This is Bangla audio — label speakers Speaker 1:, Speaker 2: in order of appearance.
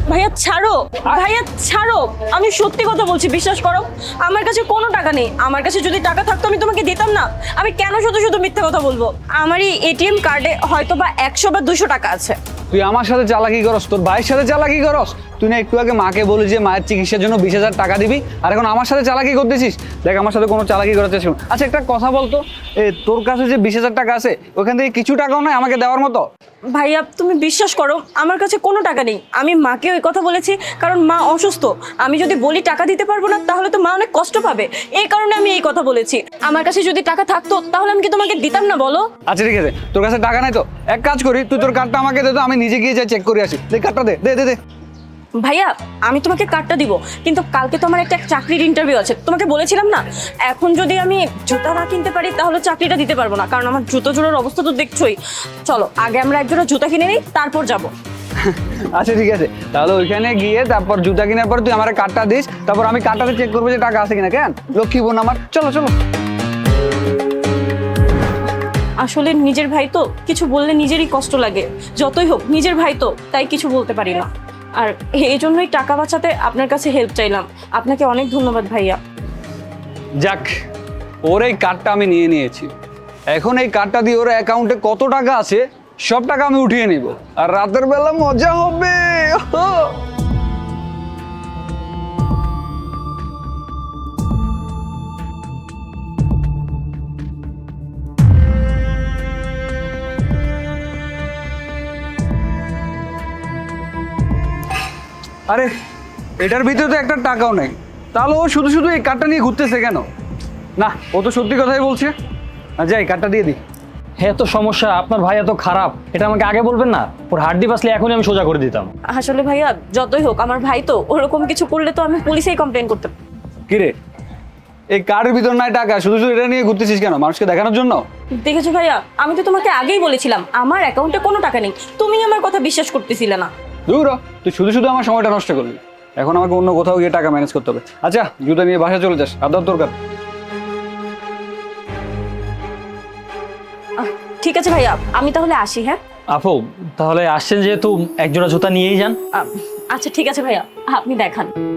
Speaker 1: ভাইয়া ছাড়ো, ভাইয়া ছাড়ো, আমি সত্যি কথা বলছি, বিশ্বাস করো। আমার কাছে কোনো টাকা নেই। আমার কাছে যদি টাকা থাকতো আমি তোমাকে দিতাম না। আমি কেন শুধু শুধু মিথ্যা কথা বলবো? আমার এই এটিএম কার্ডে হয়তো বা 100 বা 200 টাকা আছে।
Speaker 2: তুই আমার সাথে চালাকি করস, তোর ভাইয়ের সাথে চালাকি করস। তুই না একটু আগে মাকে বলি যে মায়ের চিকিৎসার জন্য 20,000 টাকা দিবি, আর এখন আমার সাথে চালাকি করতেছিস। দেখ, আমার সাথে কোনো চালাকি করার চেষ্টা করবি না। আচ্ছা, একটা কথা বলতো, তোর কাছে যে 20,000 টাকা আছে, ওখান থেকে কিছু টাকাও নাই আমাকে দেওয়ার মতো?
Speaker 1: ভাইয়া তুমি বিশ্বাস করো, আমার কাছে কোনো টাকা নেই। আমি মাকে ওই কথা বলেছি কারণ মা অসুস্থ। আমি যদি বলি টাকা দিতে পারবো না তাহলে তো মা অনেক কষ্ট পাবে, এই কারণে আমি এই কথা বলেছি। আমার কাছে যদি টাকা থাকতো তাহলে আমি কি তোমাকে দিতাম না বলো?
Speaker 2: আচ্ছা ঠিক আছে, তোর কাছে টাকা নাই তো এক কাজ করি, তুই তোর কার্ডটা আমাকে দে তো, আমি নিজে গিয়ে যাই চেক করে আসি। দে কার্ডটা, দে দে দে দে।
Speaker 1: ভাইয়া আমি তোমাকে কার্ডটা দিব, কিন্তু কালকে তো আমার একটা চাকরির ইন্টারভিউ আছে, তোমাকে বলেছিলাম না। এখন যদি আমি জুতা না কিনতে পারি তাহলে চাকরিটা দিতে পারবো না, কারণ আমার জুতো জোড়ার অবস্থা তো দেখছোই। চলো আগে আমরা এক জোড়া জুতা কিনে নিই, তারপর যাব।
Speaker 2: আচ্ছা ঠিক আছে, তাহলে ওইখানে গিয়ে তারপর জুতা কেনার পর তুই আমার কার্ডটা দিস, তারপর আমি কার্ডটাতে চেক করবো যে টাকা আছে কিনা। কেন লক্ষ্মী বোন আমার, চলো চলো।
Speaker 1: আসলে নিজের ভাই তো, কিছু বললে নিজেরই কষ্ট লাগে। যতই হোক নিজের ভাই তো, তাই কিছু বলতে পারি না। আর এই জন্যই টাকা বাঁচাতে আপনার কাছে হেল্প চাইলাম। আপনাকে অনেক ধন্যবাদ ভাইয়া।
Speaker 2: যাক, ওর এই কার্ডটা আমি নিয়ে নিয়েছি। এখন এই কার্ডটা দিয়ে ওর অ্যাকাউন্টে কত টাকা আছে সব টাকা আমি উঠিয়ে নিব, আর রাতের বেলা মজা হবে। আরে, এটার ভিতরে তো একটা টাকাও নেই, তাহলে ও শুধু শুধু এই কার্ডটা নিয়ে ঘুরতেছে কেন? না, ও তো সত্যি কথাই বলছে। যাই, কার্ডটা দিয়ে দিই।
Speaker 3: হ্যাঁ, তো সমস্যা, আপনার ভাই এত খারাপ, এটা আমাকে আগে বলবেন না? ওর হাড্ডি বাসলে এখনই আমি সোজা করে দিতাম।
Speaker 1: আসলে ভাইয়া যতই হোক আমার ভাই তো, ওরকম কিছু করলে তো আমি পুলিশেই কমপ্লেন করতাম।
Speaker 2: কিরে, এই কার্ডের ভিতর নাই টাকা, শুধু শুধু এটা নিয়ে ঘুরতেছিস কেন? মানুষকে দেখানোর জন্য?
Speaker 1: দেখেছো ভাইয়া, আমি তো তোমাকে আগেই বলেছিলাম আমার অ্যাকাউন্টে কোনো টাকা নেই, তুমি আমার কথা বিশ্বাস করতেছিলে না।
Speaker 2: দূর হ, তুই শুধু শুধু আমার সময়টা নষ্ট করলি। এখন আমাকে অন্য কোথাও গিয়ে টাকা ম্যানেজ করতে হবে। আচ্ছা, জুতা নিয়ে বাসায় চলে যাস, আদার দরকার।
Speaker 1: ঠিক আছে ভাইয়া, আমি তাহলে আসি। হ্যাঁ
Speaker 3: আপু, তাহলে আসছেন যেহেতু একজোড়া জুতা নিয়েই যান।
Speaker 1: আচ্ছা ঠিক আছে ভাইয়া, আপনি দেখান।